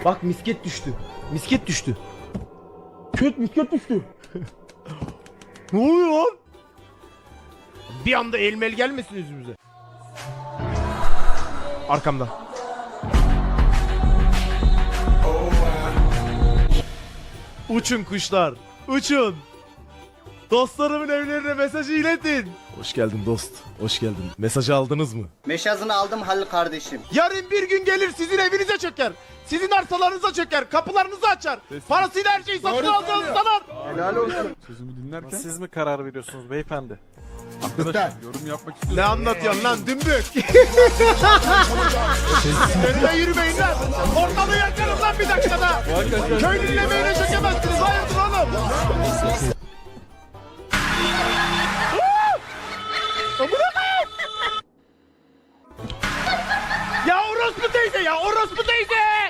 Bak misket düştü. Misket düştü. Köt misket düştü. Ne oluyor lan? Bir anda elmel gelmesin yüzümüze. Arkamdan. Uçun kuşlar. Uçun. Dostlarımın evlerine mesajı iletin. Hoş geldin dost. Hoş geldin. Mesajı aldınız mı? Meşazını aldım Halil kardeşim. Yarın bir gün gelir sizin evinize çöker. Sizin arsalarınıza çöker. Kapılarınızı açar. Parasıyla her şeyi satın aldığınızı sanar. Helal olsun. Sözümü dinlerken Siz mi karar veriyorsunuz beyefendi? arkadaşlar yorum yapmak istiyorum. Ne anlatıyorsun lan dümbük? Önüne yürümeyin lan. Ortalığı yakarım lan bir dakikada. Köylünün emeğine çökemezsiniz. Hayırdır oğlum? Amına koyayım. Ya orospu teyze ya orospu teyze.